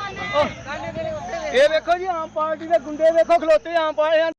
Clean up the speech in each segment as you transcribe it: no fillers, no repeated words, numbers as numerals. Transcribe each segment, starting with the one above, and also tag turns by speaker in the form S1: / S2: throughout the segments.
S1: ਇਹ ਵੇਖੋ ਜੀ ਆਮ ਪਾਰਟੀ ਦੇ ਗੁੰਡੇ ਵੇਖੋ ਖਲੋਤੇ ਆਮ ਪਾਰਟੀ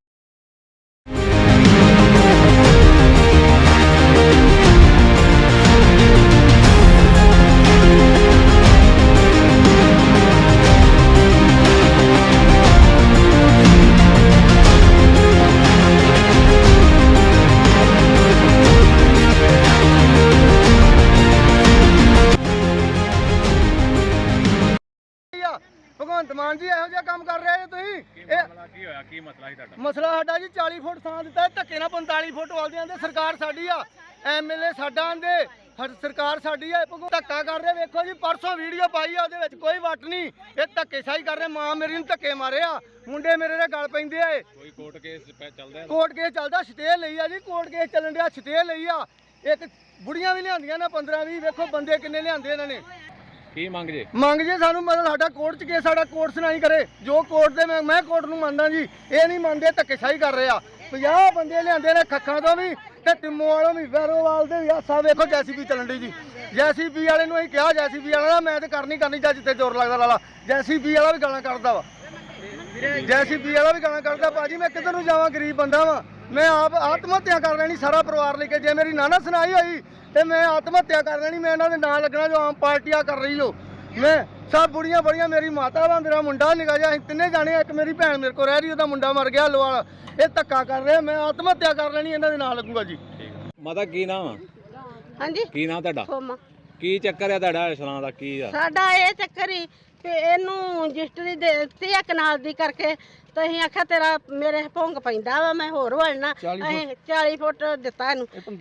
S1: ਭਗਵੰਤ ਮਾਨ ਜੀ ਇਹੋ ਜਿਹਾ ਕੰਮ ਕਰ ਰਹੇ ਹੋ ਤੁਸੀਂ।
S2: ਕੀ ਹੋਇਆ, ਕੀ ਮਸਲਾ ਸੀ ਤੁਹਾਡਾ?
S1: ਮਸਲਾ ਸਾਡਾ ਜੀ 40 ਫੁੱਟ ਥਾਂ ਦਿੱਤਾ, ਧੱਕੇ ਨਾਲ 45 ਫੁੱਟ ਵਾਲਦੇ ਆਂਦੇ ਸਰਕਾਰ ਸਾਡੀ ਆ, ਐਮਐਲਏ ਸਾਡਾ ਆਂਦੇ ਸਰਕਾਰ ਸਾਡੀ ਆ। ਧੱਕਾ ਕਰ ਰਹੇ ਵੇਖੋ ਜੀ, ਪਰਸੋਂ ਵੀਡੀਓ ਪਾਈ ਆ, ਉਹਦੇ ਵਿੱਚ ਕੋਈ ਵੱਟ ਨਹੀਂ, ਇਹ ਧੱਕੇਸ਼ਾਹੀ ਕਰ ਰਹੇ। ਮਾਂ ਮੇਰੀ ਨੂੰ ਧੱਕੇ ਮਾਰੇ ਆ, ਮੁੰਡੇ ਮੇਰੇ ਦੇ ਗਲ ਪੈਂਦੇ ਆ।
S2: ਕੋਈ ਕੋਰਟ ਕੇਸ ਚੱਲਦਾ?
S1: ਕੋਰਟ ਕੇਸ ਚੱਲਦਾ, ਸਟੇ ਲਈ ਆ ਜੀ, ਕੋਰਟ ਕੇਸ ਚੱਲਣ ਡਿਆ, ਸਟੇ ਲਈ ਆ। ਇੱਕ ਬੁੜੀਆਂ ਵੀ ਲਿਆਂਦੀਆਂ ਨਾ 15-20, ਵੇਖੋ ਬੰਦੇ ਕਿੰਨੇ ਲਿਆਂਦੇ ਇਹਨਾਂ ਨੇ।
S2: ਕੀ ਮੰਗ ਜੇ?
S1: ਮੰਗ ਜੇ ਸਾਨੂੰ ਮਤਲਬ ਸਾਡਾ ਕੋਰਟ 'ਚ ਕੇਸ, ਸਾਡਾ ਕੋਰਟ ਸੁਣਾਈ ਕਰੇ ਜੋ ਕੋਰਟ ਦੇ। ਮੈਂ ਕੋਰਟ ਨੂੰ ਮੰਨਦਾ ਜੀ, ਇਹ ਨਹੀਂ ਮੰਨਦੇ, ਧੱਕੇਸ਼ਾਹੀ ਕਰ ਰਹੇ ਆ। 50 ਬੰਦੇ ਲਿਆਂਦੇ ਨੇ ਖੱਖਾਂ ਤੋਂ ਵੀ ਤੇ ਟਿੰਮੋ ਵਾਲੋਂ ਵੀ, ਵੈਰੋਵਾਲ ਦੇ ਵੀ। ਆਹ ਵੇਖੋ ਜੈਸੀਬੀ ਚੱਲਣ ਡਈ ਜੀ, ਜੈਸੀਬੀ ਵਾਲੇ ਨੂੰ ਅਸੀਂ ਕਿਹਾ, ਜੈਸੀਬੀ ਵਾਲਾ ਮੈਂ ਤੇ ਕਰਨੀ ਜਾਂ ਜਿੱਥੇ ਜ਼ੋਰ ਲੱਗਦਾ ਲਾਲਾ। ਜੈਸੀਬੀ ਵਾਲਾ ਵੀ ਗਾਲਾਂ ਕੱਢਦਾ ਵਾ, ਜੈਸੀਬੀ ਵਾਲਾ ਵੀ ਗਾਲਾਂ ਕੱਢਦਾ। ਭਾਜੀ ਮੈਂ ਕਿੱਧਰ ਨੂੰ ਜਾਵਾਂ, ਗਰੀਬ ਬੰਦਾ ਵਾ ਮੈਂ, ਆਪ ਆਤਮ ਹੱਤਿਆ ਕਰ ਲੈਣੀ ਸਾਰਾ ਪਰਿਵਾਰ ਲੈ ਕੇ। ਜੇ ਮੇਰੀ ਨਾਨਾ ਸੁਣਾਈ ਹੋਈ ਤੇ ਮੈਂ ਆਤਮ ਹੱਤਿਆ ਕਰ ਲੈਣੀ, ਮੈਂ ਇਹਨਾਂ ਦੇ ਨਾਂ ਲੱਗਣਾ ਜੋ ਆਮ ਪਾਰਟੀ ਆ ਕਰ ਰਹੀ ਹੋ। ਮੈਂ ਸਭ ਬੁੜੀਆਂ ਬੜੀਆਂ, ਮੇਰੀ ਮਾਤਾ ਵਾ, ਮੇਰਾ ਮੁੰਡਾ ਨਿਕਾ ਜਾ, ਅਸੀਂ ਤਿੰਨੇ ਜਾਣੇ, ਇੱਕ ਮੇਰੀ ਭੈਣ ਮੇਰੇ ਕੋਲ ਰਹਿ ਰਹੀ, ਉਹਦਾ ਮੁੰਡਾ ਮਰ ਗਿਆ ਲੋਹਾਲ। ਇਹ ਧੱਕਾ ਕਰ ਰਹੇ, ਮੈਂ ਆਤਮ ਹੱਤਿਆ ਕਰ ਲੈਣੀ, ਇਹਨਾਂ ਦੇ ਨਾਂ ਲੱਗੂਗਾ ਜੀ।
S2: ਮਾਤਾ ਕੀ ਨਾਮ ਆ?
S3: ਹਾਂਜੀ,
S2: ਕੀ ਨਾਮ ਤੁਹਾਡਾ?
S3: ਸੋਮਾ।
S2: ਕੀ ਚੱਕਰ ਆ ਤੁਹਾਡਾ ਇਸਲਾਂ ਦਾ? ਕੀ ਆ
S3: ਸਾਡਾ ਇਹ ਚੱਕਰ ਹੀ ਤੇ ਇਹਨੂੰ ਰਜਿਸਟਰੀ ਦੇ ਦਿੱਤੀ ਆ ਕਨਾਲ ਦੀ ਕਰਕੇ, ਤੇ ਅਸੀਂ ਆਖਿਆ ਤੇਰਾ ਮੇਰੇ ਭੁੰਗ ਪੈਂਦਾ ਵਾ, ਮੈਂ ਹੋਰ ਵੜਨਾ। ਅਸੀਂ 40 ਫੁੱਟ ਦਿੱਤਾ ਇਹਨੂੰ, ਇਹ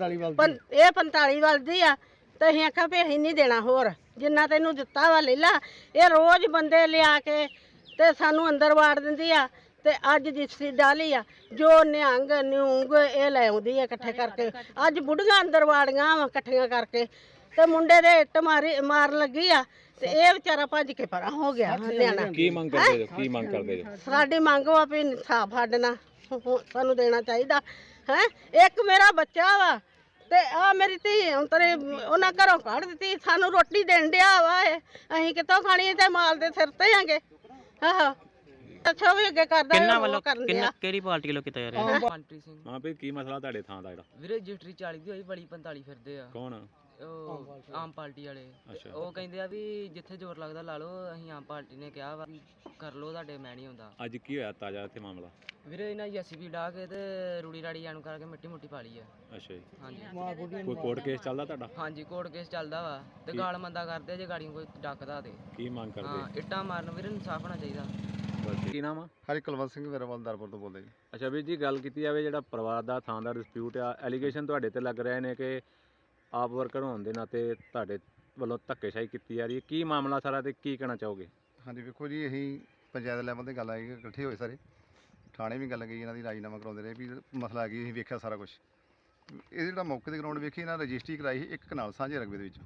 S3: 45 ਵੱਲਦੀ ਆ, ਤੇ ਅਸੀਂ ਆਖਿਆ ਵੀ ਅਸੀਂ ਨਹੀਂ ਦੇਣਾ ਹੋਰ, ਜਿੰਨਾ ਤੈਨੂੰ ਦਿੱਤਾ ਵਾ ਲੈ ਲਾ। ਇਹ ਰੋਜ਼ ਬੰਦੇ ਲਿਆ ਕੇ ਤੇ ਸਾਨੂੰ ਅੰਦਰ ਵਾੜ ਦਿੰਦੀ ਆ, ਤੇ ਅੱਜ ਰਜਿਸਟਰੀ ਡਾਲੀ ਆ, ਜੋ ਨਿਹੰਗ ਨਿਉਂਗ ਇਹ ਲੈ ਆਉਂਦੀ ਆ ਇਕੱਠੇ ਕਰਕੇ। ਅੱਜ ਬੁੱਢੀਆਂ ਅੰਦਰ ਵਾੜੀਆਂ ਵਾ ਇਕੱਠੀਆਂ ਕਰਕੇ, ਤੇ ਮੁੰਡੇ ਦੇ ਇੱਟ ਮਾਰਨ ਲੱਗੀ ਆ, ਤੇ ਇਹ ਵਿਚਾਰਾ ਭੱਜ ਕੇ ਪਰਾਂ ਹੋ ਗਿਆ ਨਿਆਣਾ।
S2: ਕੀ ਮੰਗ ਕਰਦੇ ਜੋ? ਕੀ ਮੰਗ ਕਰਦੇ ਜੋ?
S3: ਸਾਡੀ ਮੰਗ ਵਾ ਵੀ ਇਨਸਾਫ ਸਾਡਣਾ ਸਾਨੂੰ ਦੇਣਾ ਚਾਹੀਦਾ ਹੈ। ਇੱਕ ਮੇਰਾ ਬੱਚਾ ਵਾ, ਤੇ ਆ ਮੇਰੀ ਧੀ ਅੰਤਰੇ ਉਹਨਾਂ ਘਰੋਂ ਕੱਢ ਦਿੱਤੀ, ਸਾਨੂੰ ਰੋਟੀ ਦੇਣ ਡਿਆ ਵਾ, ਅਸੀਂ ਕਿੱਥੋਂ ਖਾਣੀ, ਤੇ ਮਾਲ ਦੇ ਸਿਰ ਤੇ ਆਂਗੇ। ਆਹੋ ਅੱਛਾ ਵੀ ਅੱਗੇ ਕਰਦਾ
S4: ਕਿੰਨਾ ਵੱਲੋਂ, ਕਿਹੜੀ ਪਾਰਟੀ ਵੱਲੋਂ ਕੀਤਾ ਜਾ ਰਿਹਾ?
S5: ਮਨਪ੍ਰੀਤ ਸਿੰਘ।
S2: ਹਾਂ ਵੀ ਕੀ ਮਸਲਾ ਤੁਹਾਡੇ ਥਾਂ ਦਾ ਜਿਹੜਾ?
S5: ਵੀਰੇ ਰਜਿਸਟਰੀ 40 ਦੀ ਹੋਈ, ਬੜੀ 45 ਫਿਰਦੇ ਆ।
S2: ਕੌਣ?
S5: ਉਹ ਆਮ ਪਾਰਟੀ ਵਾਲੇ।
S2: ਅੱਛਾ।
S5: ਉਹ ਕਹਿੰਦੇ ਆ ਵੀ ਜਿੱਥੇ ਜ਼ੋਰ ਲੱਗਦਾ ਲਾ ਲਓ, ਅਸੀਂ ਆਮ ਪਾਰਟੀ ਨੇ ਕਿਹਾ ਵਾ ਵੀ ਕਰ ਲਓ, ਤੁਹਾਡੇ ਮੈਂ ਨਹੀਂ ਹੁੰਦਾ।
S2: ਅੱਜ ਕੀ ਹੋਇਆ ਤਾਜ਼ਾ ਇੱਥੇ ਮਾਮਲਾ?
S5: ਵੀਰੇ ਇਹਨਾਂ ਜੈਸੀਬੀ ਡਾ ਕੇ ਤੇ ਰੂੜੀ ਰਾੜੀ ਜਾਣੂ ਕਰਕੇ ਮਿੱਟੀ ਮੁੱਟੀ ਪਾ ਲਈ ਆ।
S2: ਅੱਛਾ ਜੀ।
S5: ਹਾਂਜੀ
S2: ਕੋਈ ਕੋਰਟ ਕੇਸ ਚੱਲਦਾ ਤੁਹਾਡਾ?
S5: ਹਾਂਜੀ, ਕੋਰਟ ਕੇਸ ਚੱਲਦਾ ਵਾ, ਤੇ ਗਾਲ ਮੰਦਾ ਕਰਦੇ ਜੇ ਗਾੜੀਆਂ ਕੋਈ ਡੱਕਦਾ ਤੇ।
S2: ਕੀ ਮੰਗ
S5: ਹਾਂ,
S2: ਕਰਦੇ?
S5: ਇੱਟਾਂ ਮਾਰਨ ਵੀਰੇ, ਇਨਸਾਫ ਹੋਣਾ ਚਾਹੀਦਾ।
S2: ਕੀ ਨਾਮ ਆ?
S6: ਹਰੀ ਕੁਲਵੰਤ ਸਿੰਘ ਵੇਰਵਲਦਾਰਪੁਰ ਤੋਂ ਬੋਲਦੇ ਜੀ।
S2: ਅੱਛਾ ਵੀਰ ਜੀ, ਗੱਲ ਕੀਤੀ ਜਾਵੇ ਜਿਹੜਾ ਪਰਿਵਾਰ ਦਾ ਥਾਂ ਦਾ ਡਿਸਪਿਊਟ ਆ, ਐਲੀਗੇਸ਼ਨ ਤੁਹਾਡੇ ਤੇ ਲੱਗ ਰਹੇ ਨੇ ਕਿ ਆਪ ਵਰਕਰ ਹੋਣ ਦੇ ਨਾਤੇ ਤੁਹਾਡੇ ਵੱਲੋਂ ਧੱਕੇਸ਼ਾਹੀ ਕੀਤੀ ਜਾ ਰਹੀ ਹੈ। ਕੀ ਮਾਮਲਾ ਸਾਰਾ ਤੇ ਕੀ ਕਹਿਣਾ ਚਾਹੋਗੇ?
S6: ਹਾਂਜੀ ਵੇਖੋ ਜੀ, ਅਸੀਂ ਪੰਚਾਇਤ ਲੈਵਲ ਤੇ ਗੱਲ ਆਈ, ਇਕੱਠੇ ਹੋਏ ਸਾਰੇ, ਥਾਣੇ ਵੀ ਗੱਲ ਗਈ, ਇਹਨਾਂ ਦੀ ਰਾਜੀਨਾਮਾ ਕਰਾਉਂਦੇ ਰਹੇ ਵੀ ਮਸਲਾ ਆ ਗਈ। ਅਸੀਂ ਵੇਖਿਆ ਸਾਰਾ ਕੁਝ, ਇਹ ਜਿਹੜਾ ਮੌਕੇ ਦੇ ਗਰਾਊਂਡ ਵੇਖੀ, ਇਹਨਾਂ ਰਜਿਸਟਰੀ ਕਰਾਈ ਸੀ ਇੱਕ ਕਨਾਲ ਸਾਂਝੇ ਰਕਬੇ ਦੇ ਵਿੱਚ।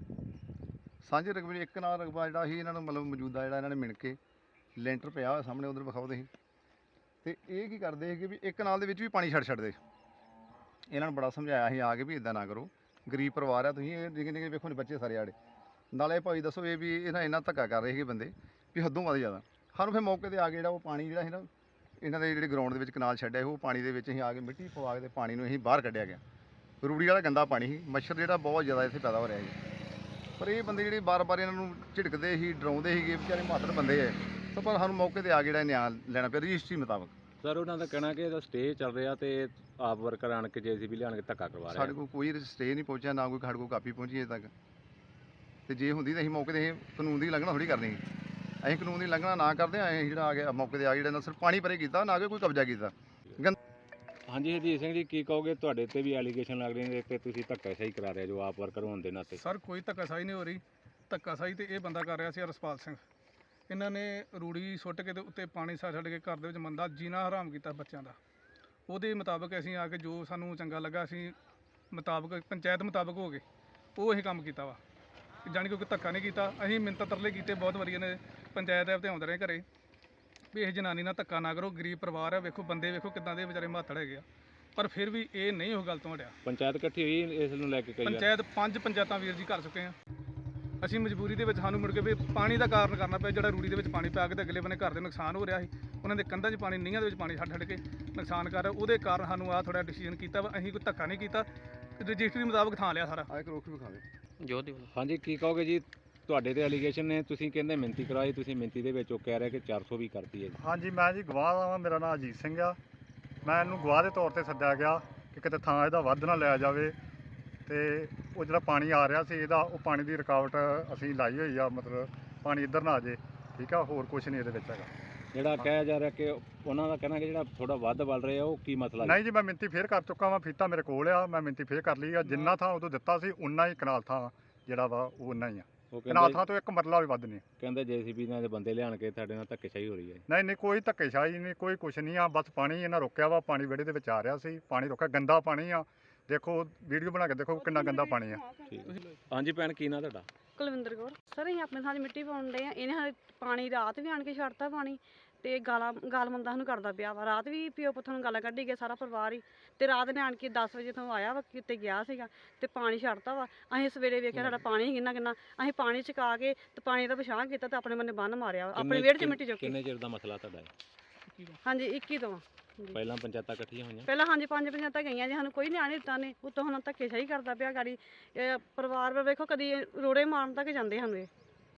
S6: ਸਾਂਝੇ ਰਕਬੇ ਵਿੱਚ ਇੱਕ ਕਨਾਲ ਰਕਬਾ ਜਿਹੜਾ ਸੀ, ਇਹਨਾਂ ਨੂੰ ਮਤਲਬ ਮੌਜੂਦਾ ਜਿਹੜਾ ਇਹਨਾਂ ਨੇ ਮਿਣ ਕੇ ਲੈਂਟਰ ਪਿਆ ਹੋਇਆ ਸਾਹਮਣੇ, ਉਧਰ ਵਿਖਾਓ ਤੁਸੀਂ। ਤੇ ਇਹ ਕੀ ਕਰਦੇ ਸੀਗੇ ਵੀ ਇੱਕ ਕਨਾਲ ਦੇ ਵਿੱਚ ਵੀ ਪਾਣੀ ਛੱਡਦੇ। ਇਹਨਾਂ ਨੂੰ ਬੜਾ ਸਮਝਾਇਆ ਸੀ ਆ ਕੇ ਵੀ ਇਦਾਂ ਨਾ ਕਰੋ, ਗਰੀਬ ਪਰਿਵਾਰ ਆ ਤੁਸੀਂ, ਇਹ ਨਿੱਕੇ ਨਿੱਕੇ ਵੇਖੋ ਨੇ ਬੱਚੇ ਸਾਰੇ ਆੜੇ। ਨਾਲੇ ਭਾਈ ਦੱਸੋ ਇਹ ਵੀ ਇਹਨਾਂ ਇੰਨਾ ਧੱਕਾ ਕਰ ਰਹੇ ਸੀਗੇ ਬੰਦੇ ਵੀ ਹੱਦੋਂ ਵੱਧ ਜ਼ਿਆਦਾ। ਸਾਨੂੰ ਫਿਰ ਮੌਕੇ 'ਤੇ ਆ ਕੇ ਜਿਹੜਾ ਉਹ ਪਾਣੀ ਜਿਹੜਾ ਸੀ ਨਾ ਇਹਨਾਂ ਦੇ ਜਿਹੜੇ ਗਰਾਊਂਡ ਦੇ ਵਿੱਚ ਕਨਾਲ ਛੱਡਿਆ, ਉਹ ਪਾਣੀ ਦੇ ਵਿੱਚ ਅਸੀਂ ਆ ਕੇ ਮਿੱਟੀ ਪਵਾ ਕੇ ਤੇ ਪਾਣੀ ਨੂੰ ਅਸੀਂ ਬਾਹਰ ਕੱਢਿਆ ਗਿਆ। ਰੂੜੀ ਵਾਲਾ ਗੰਦਾ ਪਾਣੀ ਸੀ, ਮੱਛਰ ਜਿਹੜਾ ਬਹੁਤ ਜ਼ਿਆਦਾ ਇੱਥੇ ਪੈਦਾ ਹੋ ਰਿਹਾ ਸੀ। ਪਰ ਇਹ ਬੰਦੇ ਜਿਹੜੇ ਬਾਰ-ਬਾਰ ਇਹਨਾਂ ਨੂੰ ਝਿੜਕਦੇ ਸੀ, ਡਰਾਉਂਦੇ ਸੀਗੇ, ਵਿਚਾਰੇ ਮਾਤੜ ਬੰਦੇ ਹੈ। ਤਾਂ ਪਰ ਸਾਨੂੰ ਮੌਕੇ 'ਤੇ ਆ ਕੇ ਜਿਹੜਾ ਨਿਆਂ ਲੈਣਾ ਪਿਆ ਰਜਿਸਟਰੀ ਮੁਤਾਬਕ।
S2: ਸਰ ਉਹਨਾਂ ਦਾ ਕਹਿਣਾ ਕਿ ਇਹਦਾ ਸਟੇ ਚੱਲ ਰਿਹਾ ਤੇ ਆਪ ਵਰਕਰ ਆਣ ਕੇ ਜੇਸੀਬੀ ਲਿਆਣ ਕੇ ਧੱਕਾ ਕਰਵਾ ਰਹੇ।
S6: ਸਾਡੇ ਕੋਲ ਕੋਈ ਸਟੇ ਨਹੀਂ ਪਹੁੰਚਿਆ, ਨਾ ਕੋਈ ਸਾਡੇ ਕੋਲ ਕਾਪੀ ਪਹੁੰਚੀ ਅਜੇ ਤੱਕ। ਤੇ ਜੇ ਹੁੰਦੀ ਤਾਂ ਅਸੀਂ ਮੌਕੇ 'ਤੇ ਕਾਨੂੰਨ ਦੀ ਲੰਘਣਾ ਥੋੜ੍ਹੀ ਕਰਨੀ। ਅਸੀਂ ਕਾਨੂੰਨ ਦੀ ਲੰਘਣਾ ਨਾ ਕਰਦੇ, ਅਸੀਂ ਜਿਹੜਾ ਆ ਗਿਆ ਮੌਕੇ 'ਤੇ ਆ ਜਿਹੜਾ ਨਾ ਸਿਰਫ ਪਾਣੀ ਭਰੇ ਕੀਤਾ, ਨਾ ਕਿ ਕੋਈ ਕਬਜ਼ਾ ਕੀਤਾ।
S2: ਹਾਂਜੀ ਹਰਜੀਤ ਸਿੰਘ ਜੀ, ਕੀ ਕਹੋਗੇ? ਤੁਹਾਡੇ ਤੇ ਵੀ ਐਲੀਗੇਸ਼ਨ ਲੱਗ ਰਹੇ ਨੇ ਤੇ ਤੁਸੀਂ ਧੱਕਾਸ਼ਾਹੀ ਕਰਾ ਰਹੇ ਜੋ ਆਪ ਵਰਕਰ ਹੋਣ ਦੇ ਨਾਤੇ।
S7: ਸਰ ਕੋਈ ਧੱਕਾਸ਼ਾਹੀ ਨਹੀਂ ਹੋ ਰਹੀ, ਧੱਕਾਸ਼ਾਹੀ ਤੇ ਇਹ ਬੰਦਾ ਕਰ ਰਿਹਾ ਸੀ ਰਸਪਾਲ ਸਿੰਘ। ਇਹਨਾਂ ਨੇ ਰੂੜੀ ਸੁੱਟ ਕੇ ਤੇ ਉੱਤੇ ਪਾਣੀ ਛੱਡ ਕੇ ਘਰ ਦੇ ਵਿੱਚ ਮੰਦਾ ਜੀਣਾ ਹਰਾਮ ਕੀਤਾ ਬੱਚਿਆਂ ਦਾ। ਉਹਦੇ ਮੁਤਾਬਕ ਅਸੀਂ ਆ ਕੇ ਜੋ ਸਾਨੂੰ ਚੰਗਾ ਲੱਗਾ, ਅਸੀਂ ਮੁਤਾਬਕ ਪੰਚਾਇਤ ਮੁਤਾਬਕ ਹੋ ਗਏ, ਉਹ ਅਸੀਂ ਕੰਮ ਕੀਤਾ ਵਾ। ਜਾਣੀ ਕਿ ਕੋਈ ਧੱਕਾ ਨਹੀਂ ਕੀਤਾ। ਅਸੀਂ ਮਿੰਨਤਾਂ ਤਰਲੇ ਕੀਤੇ ਬਹੁਤ ਵਾਰੀ, ਨੇ ਪੰਚਾਇਤ ਐਪ ਤੇ ਆਉਂਦੇ ਰਹੇ ਘਰੇ ਵੀ ਇਹ ਜਨਾਨੀ ਨਾਲ ਧੱਕਾ ਨਾ ਕਰੋ, ਗਰੀਬ ਪਰਿਵਾਰ ਆ, ਵੇਖੋ ਬੰਦੇ ਵੇਖੋ ਕਿੱਦਾਂ ਦੇ ਵਿਚਾਰੇ ਮਾਤੜ ਹੈਗੇ ਆ। ਪਰ ਫਿਰ ਵੀ ਇਹ ਨਹੀਂ ਉਹ ਗੱਲ ਤੋਂ ਹਟਿਆ।
S2: ਪੰਚਾਇਤ ਇਕੱਠੀ ਹੋਈ ਇਸ ਨੂੰ ਲੈ ਕੇ?
S7: ਪੰਚਾਇਤ 5 ਪੰਚਾਇਤਾਂ ਵੀਰ ਜੀ ਕਰ ਚੁੱਕੇ ਆ। ਅਸੀਂ ਮਜਬੂਰੀ ਦੇ ਵਿੱਚ ਸਾਨੂੰ ਮੁੜ ਕੇ ਵੀ ਪਾਣੀ ਦਾ ਕਾਰਨ ਕਰਨਾ ਪਿਆ, ਜਿਹੜਾ ਰੂੜੀ ਦੇ ਵਿੱਚ ਪਾਣੀ ਪਾ ਕੇ ਤੇ ਅਗਲੇ ਬੰਨੇ ਘਰ ਦੇ ਨੁਕਸਾਨ ਹੋ ਰਿਹਾ ਸੀ, ਉਹਨਾਂ ਦੇ ਕੰਧਾਂ 'ਚ ਪਾਣੀ, ਨੀਹਾਂ ਦੇ ਵਿੱਚ ਪਾਣੀ ਛੱਡ ਕੇ ਨੁਕਸਾਨ ਕਰ ਰਿਹਾ, ਉਹਦੇ ਕਾਰਨ ਸਾਨੂੰ ਆਹ ਥੋੜਾ ਡਿਸੀਜਨ ਕੀਤਾ ਵਾ। ਅਸੀਂ ਕੋਈ ਧੱਕਾ ਨਹੀਂ ਕੀਤਾ, ਰਜਿਸਟਰੀ ਮੁਤਾਬਕ ਥਾਂ ਲਿਆ ਸਾਰਾ।
S6: ਆ ਇੱਕ ਰੁੱਖ ਵਿਖਾਵੇ
S4: ਜੋਤ ਦੀ ਵੱਲੋਂ।
S2: ਹਾਂਜੀ, ਕੀ ਕਹੋਗੇ ਜੀ? ਤੁਹਾਡੇ ਤੇ ਐਲੀਗੇਸ਼ਨ ਨੇ, ਤੁਸੀਂ ਕਹਿੰਦੇ ਮਿਹਨਤੀ ਕਰਾਈ, ਤੁਸੀਂ ਮਿਹਨਤੀ ਦੇ ਵਿੱਚ ਉਹ ਕਹਿ ਰਿਹਾ ਕਿ 400 ਵੀ ਕਰਤੀ ਹੈ ਜੀ।
S8: ਹਾਂਜੀ, ਮੈਂ ਜੀ ਗਵਾਹ ਹਾਂ, ਮੇਰਾ ਨਾਮ ਅਜੀਤ ਸਿੰਘ ਆ। ਮੈਂ ਇਹਨੂੰ ਗਵਾਹ ਦੇ ਤੌਰ ਤੇ ਸੱਦਿਆ ਗਿਆ ਕਿ ਕਿਤੇ ਥਾਂ ਇਹਦਾ ਵੱਧ ਨਾ ਲਿਆ ਜਾਵੇ, ਤੇ ਉਹ ਜਿਹੜਾ ਪਾਣੀ ਆ ਰਿਹਾ ਸੀ ਇਹਦਾ, ਉਹ ਪਾਣੀ ਦੀ ਰੁਕਾਵਟ ਅਸੀਂ ਲਾਈ ਹੋਈ ਆ, ਮਤਲਬ ਪਾਣੀ ਇੱਧਰ ਨਾ ਆ ਜੇ, ਠੀਕ ਆ, ਹੋਰ ਕੁਝ ਨਹੀਂ ਇਹਦੇ ਵਿੱਚ ਹੈਗਾ।
S2: ਜਿਹੜਾ ਕਿਹਾ ਜਾ ਰਿਹਾ ਕਿ ਉਹਨਾਂ ਦਾ ਕਹਿਣਾ ਕਿ ਜਿਹੜਾ ਥੋੜਾ ਵੱਧ ਵੱਲ ਰਿਹਾ, ਉਹ ਕੀ ਮਸਲਾ ਜੀ?
S8: ਨਹੀਂ ਜੀ, ਮੈਂ ਮਿੰਤੀ ਫੇਰ ਕਰ ਚੁੱਕਾ ਵਾਂ, ਫੀਤਾ ਮੇਰੇ ਕੋਲ ਆ, ਮੈਂ ਮਿੰਤੀ ਫੇਰ ਕਰ ਲਈ ਆ। ਜਿੰਨਾ ਥਾਂ ਉਦੋਂ ਦਿੱਤਾ ਸੀ ਉਨਾ ਹੀ ਕਨਾਲ ਥਾਂ ਜਿਹੜਾ ਵਾ ਉਹ ਉਨਾ ਹੀ ਆ।
S2: ਉਹ
S8: ਕਨਾਲ
S2: ਕਹਿੰਦੇ
S8: ਥਾਂ ਤੋਂ ਇੱਕ ਮਰਲਾ ਵੀ ਵੱਧ ਨਹੀਂ।
S2: ਕਹਿੰਦੇ ਜੇਸੀਬੀ ਨਾਲ ਦੇ ਬੰਦੇ ਲਿਆਣ ਕੇ ਤੁਹਾਡੇ ਨਾਲ ਧੱਕੇਸ਼ਾਹੀ ਹੋ ਰਹੀ ਹੈ।
S8: ਨਹੀਂ ਨਹੀਂ, ਕੋਈ ਧੱਕੇਸ਼ਾਹੀ ਨਹੀਂ, ਕੋਈ ਕੁਛ ਨਹੀਂ ਆ, ਬਸ ਪਾਣੀ ਇਹਨਾਂ ਰੋਕਿਆ ਵਾ, ਪਾਣੀ ਵਿਹੜੇ ਦੇ ਵਿੱਚ ਆ ਰਿਹਾ ਸੀ, ਪਾਣੀ ਰੋਕਿਆ, ਗੰਦਾ ਪਾਣੀ ਆ। ਦੇਖੋ ਵੀਡੀਓ ਬਣਾ ਕੇ ਦੇਖੋ ਕਿੰਨਾ ਗੰਦਾ ਪਾਣੀ ਆ।
S2: ਹਾਂਜੀ ਭੈਣ, ਕੀ ਨਾਂ ਤੁਹਾਡਾ?
S9: ਕੁਲਵਿੰਦਰ ਕੌਰ। ਸਰ ਅਸੀਂ ਆਪਣੇ ਥਾਂ 'ਚ ਮਿੱਟੀ ਪਾਉਣ ਡਏ ਆ, ਇਹਨੇ ਹਾਲੇ ਪਾਣੀ ਰਾਤ ਵੀ ਆਣ ਕੇ ਛੱਡਤਾ ਪਾਣੀ, ਤੇ ਗਾਲ ਮੰਦਾ ਸਾਨੂੰ ਕਰਦਾ ਪਿਆ ਵਾ। ਰਾਤ ਵੀ ਪਿਓ ਪੁੱਤ ਨੂੰ ਗਾਲਾਂ ਕੱਢੀ ਗਿਆ ਸਾਰਾ ਪਰਿਵਾਰ ਹੀ, ਤੇ ਰਾਤ ਨੇ ਆਣ ਕੇ 10 ਵਜੇ ਤੋਂ ਆਇਆ ਵਾ, ਕਿਤੇ ਗਿਆ ਸੀਗਾ ਤੇ ਪਾਣੀ ਛੱਡਤਾ ਵਾ। ਅਸੀਂ ਸਵੇਰੇ ਵੇਖਿਆ ਸਾਡਾ ਪਾਣੀ ਕਿੰਨਾ ਕਿੰਨਾ, ਅਸੀਂ ਪਾਣੀ ਚਕਾ ਕੇ ਤੇ ਪਾਣੀ ਦਾ ਪਛਾਣ ਕੀਤਾ ਤੇ ਆਪਣੇ ਬੰਨੇ ਬੰਨ ਮਾਰਿਆ ਵਾ, ਆਪਣੇ ਵਿਹੜੇ 'ਚ ਮਿੱਟੀ ਚੁੱਕ ਕੇ।
S2: ਕਿੰਨੇ ਚਿਰ ਦਾ ਮਸਲਾ ਤੁਹਾਡਾ ਹੈ?
S9: ਹਾਂਜੀ 21 ਤੋਂ।
S2: ਪਹਿਲਾਂ ਪੰਚਾਇਤਾਂ ਇਕੱਠੀਆਂ ਹੋਈਆਂ?
S9: ਪਹਿਲਾਂ ਹਾਂਜੀ 5 ਪੰਚਾਇਤਾਂ ਗਈਆਂ ਜੀ, ਸਾਨੂੰ ਕੋਈ ਨਿਆਂ ਨਹੀਂ ਦਿੱਤਾ ਨੇ। ਉੱਤੋਂ ਹੁਣ ਧੱਕੇਸ਼ਾਹੀ ਕਰਦਾ ਪਿਆ ਗਾੜੀ। ਪਰਿਵਾਰ ਵੇਖੋ ਕਦੀ ਰੋੜੇ ਮਾਰਨ ਤੱਕ ਜਾਂਦੇ ਸਾਨੂੰ ਇਹ।